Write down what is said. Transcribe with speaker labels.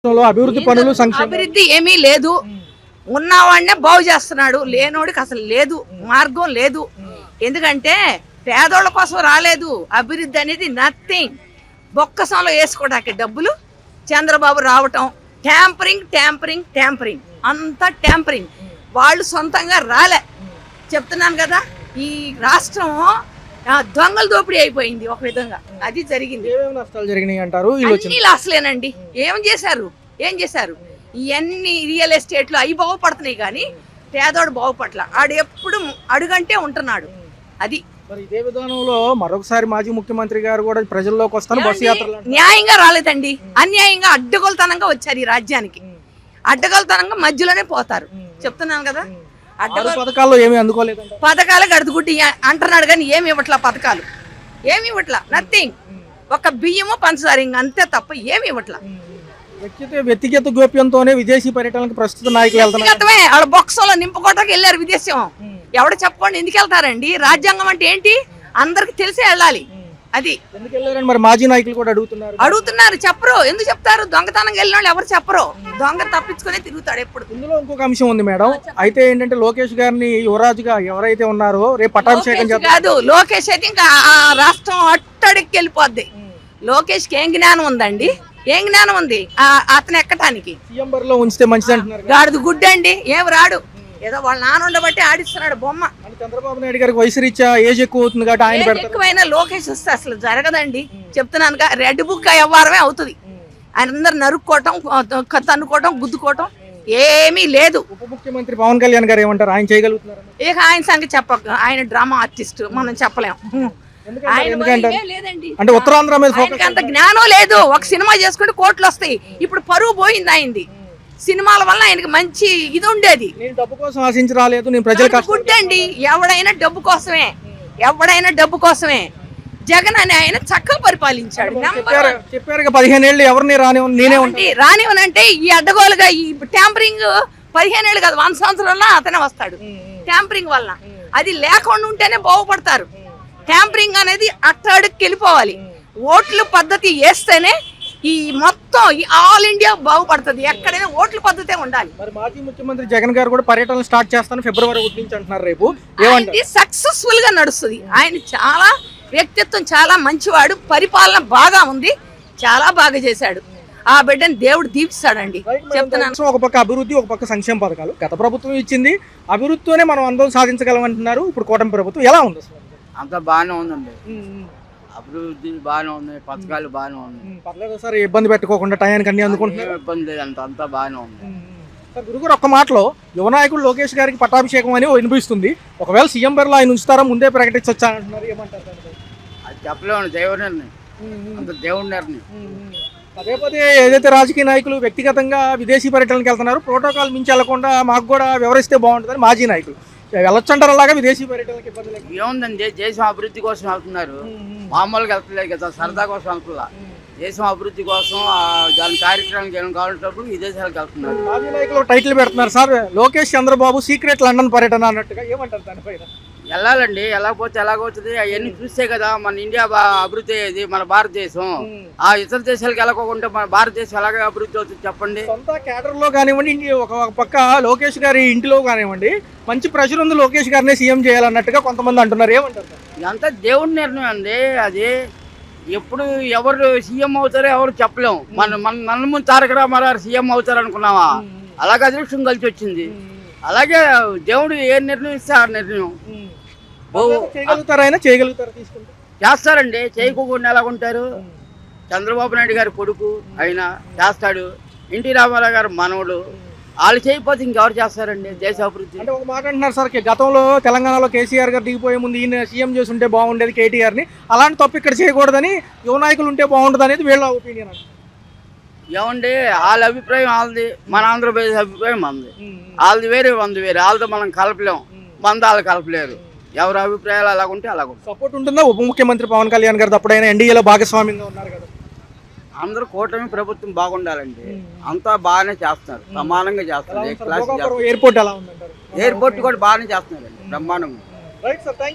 Speaker 1: అభివృద్ధి పనులు
Speaker 2: అభివృద్ధి ఏమీ లేదు. ఉన్నవాడినే బాగు చేస్తున్నాడు, లేనోడికి అసలు లేదు, మార్గం లేదు. ఎందుకంటే పేదోళ్ళ కోసం రాలేదు అభివృద్ధి అనేది. నథింగ్. బొక్కసంలో వేసుకోవడానికి డబ్బులు చంద్రబాబు రావటం, ట్యాంపరింగ్ ట్యాంపరింగ్ ట్యాంపరింగ్, అంతా ట్యాంపరింగ్. వాళ్ళు సొంతంగా రాలే. చెప్తున్నాను కదా, ఈ రాష్ట్రం దొంగల దోపిడీ అయిపోయింది ఒక విధంగా. అది జరిగింది.
Speaker 1: నష్టాలు జరిగినాయి అంటారు.
Speaker 2: అన్ని లాస్లేనండి. ఏం చేశారు ఇవన్నీ రియల్ ఎస్టేట్లు అవి బాగుపడుతున్నాయి కానీ పేదోడు బాగుపట్ల. ఆడు ఎప్పుడు అడుగంటే ఉంటున్నాడు. అది
Speaker 1: మరి ఇదే విధానంలో మరొకసారి మాజీ ముఖ్యమంత్రి గారు కూడా ప్రజల్లోకి వస్తాను బస్సు యాత్ర
Speaker 2: న్యాయంగా రాలేదండి, అన్యాయంగా అడ్డగోలుతనంగా వచ్చారు ఈ రాజ్యానికి. అడ్డగోలుతనంగా మధ్యలోనే పోతారు. చెప్తున్నాను కదా,
Speaker 1: పథకాల్లో ఏమి అందుకోలేదు.
Speaker 2: పథకాలు గడుదుగుడ్డి అంటున్నాడు కానీ ఏమి ఇవ్వట్లా, పథకాలు ఏమి ఇవ్వట్లా. నథింగ్. ఒక బియ్యము పంచదార అంతే తప్ప ఏమి ఇవ్వట్లా.
Speaker 1: వ్యక్తిగత గోప్యంతోనే విదేశీ పర్యటనకు ప్రస్తుత నాయకులు వెళ్తున్నారు.
Speaker 2: వాళ్ళ బొక్సంలో నింపుకోవడానికి వెళ్ళారు విదేశం. ఎవడు చెప్పుకోండి ఎందుకు వెళ్తారండి? రాజ్యాంగం అంటే ఏంటి అందరికి తెలిసే వెళ్ళాలి. అది
Speaker 1: ఎందుకు వెళ్ళారని మరి మాజీ నాయకులు కూడా
Speaker 2: అడుగుతున్నారు. చెప్పరు. ఎందుకు చెప్తారు? దొంగతనంగా వెళ్ళిన వాళ్ళు ఎవరు చెప్పరు. దొంగ తప్పించుకునే తిరుగుతాడు ఎప్పుడు.
Speaker 1: ఇందులో ఇంకొక అంశం ఉంది మేడం. అయితే ఏంటంటే లోకేష్ గారిని యువరాజుగా ఎవరైతే ఉన్నారో రేపు పట్టాభిషేకం
Speaker 2: కాదు. లోకేష్ అయితే ఇంకా రాష్ట్రం అట్టడికి వెళ్ళిపోద్ది. లోకేష్ కి ఏం జ్ఞానం ఉందండి? ఏం జ్ఞానం ఉంది అతను ఎక్కటానికి?
Speaker 1: సీఎం బరిలో ఉంచితే మంచిది అంటున్నారు.
Speaker 2: గాడిది గుడ్డండి, ఏం రాడు. ఏదో వాళ్ళ నాన్న ఉండబట్టి ఆడిస్తున్నాడు బొమ్మ.
Speaker 1: చంద్రబాబు నాయుడు గారికి వయసు రీత్యా ఏజ్ ఎక్కువ అవుతుంది కాబట్టి ఆయన
Speaker 2: ఎక్కువైనా లోకేష్ వస్తే అసలు జరగదండి. చెప్తున్నాను రెడ్ బుక్ వ్యవహారమే అవుతుంది. ఆయన అందరు నరుక్కోవటం, తన్నుకోవటం, గుద్దుకోవటం ఏమీ లేదు.
Speaker 1: ఉప ముఖ్యమంత్రి పవన్ కళ్యాణ్ గారు ఏమంటారు? ఆయన చేయగలుగుతున్నారు?
Speaker 2: ఇక ఆయన సంగతి చెప్పక, ఆయన డ్రామా ఆర్టిస్ట్, మనం చెప్పలేం.
Speaker 1: అంటే ఉత్తరాంధ్ర మీద
Speaker 2: అంత జ్ఞానం లేదు. ఒక సినిమా చేసుకుంటే కోట్లు వస్తాయి. ఇప్పుడు పరువు పోయింది ఆయనది. సినిమాల వల్ల ఆయనకి మంచి ఇది ఉండేది.
Speaker 1: డబ్బు కోసం ఆశించి రాలేదు, నేను ప్రజలకు
Speaker 2: గుడ్డండి. ఎవడైనా డబ్బు కోసమే. జగన్ అని ఆయన చక్కగా పరిపాలించాడు.
Speaker 1: చెప్పారు 15 ఏళ్ళు ఎవరిని
Speaker 2: రానివనంటే ఈ అడ్డగోలుగా ఈ ట్యాంపరింగ్ 15 ఏళ్ళు కాదు 100 సంవత్సరాల్లో అతనే వస్తాడు. ట్యాంపరింగ్ వల్ల అది లేకుండా ఉంటేనే బాగుపడతారు. ట్యాంపరింగ్ అనేది అట్టడికి వెళ్ళిపోవాలి. ఓట్ల పద్ధతి వేస్తేనే ఈ మొత్తం ఆల్ ఇండియా బాగుపడుతుంది. ఎక్కడైనా ఓట్ల పద్ధతే ఉండాలి.
Speaker 1: మరి మాజీ ముఖ్యమంత్రి జగన్ గారు కూడా పర్యటన స్టార్ట్ చేస్తాను ఫిబ్రవరి 1 నుంచి అంటున్నారు. రేపు
Speaker 2: సక్సెస్ఫుల్ గా నడుస్తుంది. ఆయన చాలా వ్యక్తిత్వం చాలా మంచివాడు. పరిపాలన బాగా ఉంది. చాలా బాగా చేశాడు. ఆ బిడ్డని దేవుడు దీపిస్తాడండి. చెప్తున్నాను.
Speaker 1: ఒక పక్క అభివృద్ధి, ఒక పక్క సంక్షేమ పథకాలు గత ప్రభుత్వం ఇచ్చింది. అభివృద్ధితోనే మనం అందరం సాధించగలమంటున్నారు. ఇప్పుడు కూటమి ప్రభుత్వం ఎలా ఉంది?
Speaker 3: అంత బాగానే ఉందండి. అభివృద్ధి బాగానే ఉంది, పథకాలు బాగానే ఉంది.
Speaker 1: పర్లేదు సార్, ఇబ్బంది పెట్టుకోకుండా టయానికి అన్ని అందుకుంటున్నారు.
Speaker 3: ఇబ్బంది లేదు, అంతా బాగానే ఉంది.
Speaker 1: గురుగారు ఒక్క మాటలో యువ నాయకుడు లోకేష్ గారికి పట్టాభిషేకం అని వినిపిస్తుంది. ఒకవేళ సీఎం బరిలో ఆయన ఉంచుతారా, ముందే ప్రకటించొచ్చానంటున్నారు. ఏమంటారు?
Speaker 3: అది చెప్పలేము. దేవుడి నిర్ణయం, అంత దేవుడి నిర్ణయం.
Speaker 1: పదే ఏదైతే రాజకీయ నాయకులు వ్యక్తిగతంగా విదేశీ పర్యటనకి వెళ్తున్నారు, ప్రోటోకాల్ మించి వెళ్లకుండా మాకు కూడా వివరిస్తే బాగుంటుందని మాజీ నాయకులు వెళ్ళొచ్చంటారు. అలాగా విదేశీ పర్యటనకి ఇబ్బంది
Speaker 3: ఏముందండి? దేశం అభివృద్ధి కోసం వెళ్తున్నారు. మామూలుగా వెళ్తలేదు కదా, సరదా కోసం వెళ్తున్నా. దేశం అభివృద్ధి కోసం దాని కార్యక్రమానికి ఏమైనా కావాల్సినప్పుడు విదేశాలకు వెళ్తున్నారు.
Speaker 1: మాజీ నాయకులు టైటిల్ పెడుతున్నారు sir, Lokesh Chandrababu secret London పర్యటన అన్నట్టుగా. ఏమంటారు దానిపైన?
Speaker 3: వెళ్ళాలండి. వెళ్ళకపోతే ఎలాగవుతుంది? అవన్నీ చూస్తే కదా మన ఇండియా అభివృద్ధి అయ్యేది, మన భారతదేశం. ఆ ఇతర దేశాలకు వెళ్ళకోకుండా మన భారతదేశం ఎలాగ అభివృద్ధి అవుతుంది చెప్పండి?
Speaker 1: సొంత కేడర్ లో కానివ్వండి, ఒక పక్క లోకేష్ గారి ఇంటిలో కానివ్వండి, మంచి ప్రెషర్ ఉంది లోకేష్ గారినే సీఎం చేయాలన్నట్టుగా కొంతమంది అంటున్నారు. ఏమంటారు?
Speaker 3: ఇదంతా దేవుడి నిర్ణయం అండి. అది ఎప్పుడు ఎవరు సీఎం అవుతారో ఎవరు చెప్పలేము. మన ముందు తారక రామారావు సీఎం అవుతారు అనుకున్నావా? అలాగే అదృష్టం కలిసి వచ్చింది. అలాగే దేవుడు ఏ నిర్ణయం ఇస్తే ఆ నిర్ణయం చేస్తారండి. చేయకుండా ఎలా ఉంటారు? చంద్రబాబు నాయుడు గారి కొడుకు ఆయన చేస్తాడు. ఎన్టీ రామారావు గారు మనవడు. వాళ్ళు చేయకపోతే ఇంకెవరు చేస్తారండి దేశ అభివృద్ధి?
Speaker 1: అంటే ఒక మాట అంటున్నారు సార్, గతంలో తెలంగాణలో కేసీఆర్ గారు దిగిపోయే ముందు ఈయన సీఎం చేసి ఉంటే బాగుండేది కేటీఆర్ని, అలాంటి తప్పు ఇక్కడ చేయకూడదని యువ నాయకులు ఉంటే బాగుంటుంది అనేది వీళ్ళ ఒపీనియన్.
Speaker 3: ఏమండి, వాళ్ళ అభిప్రాయం వాళ్ళది, మన ఆంధ్రప్రదేశ్ అభిప్రాయం మనది. వాళ్ళది వేరే, మనది వేరే. వాళ్ళతో మనం కలపలేం, మన వాళ్ళు కలపలేరు. ఎవరి అభిప్రాయాలు అలాగుంటే అలాగుంటే.
Speaker 1: సపోర్ట్ ఉంటుందా ఉప ముఖ్యమంత్రి పవన్ కళ్యాణ్ గారు? అప్పుడైనా ఎన్డీఏలో భాగస్వామ్యంగా ఉన్నారు కదా.
Speaker 3: అందరూ కూటమి ప్రభుత్వం బాగుండాలండి. అంతా బాగానే చేస్తున్నారు, సమానంగా చేస్తున్నారు.
Speaker 1: ఎయిర్పోర్ట్ ఎలా ఉందంటారు?
Speaker 3: ఎయిర్పోర్ట్ కూడా బాగానే చేస్తున్నారండి, బ్రహ్మాండంగా.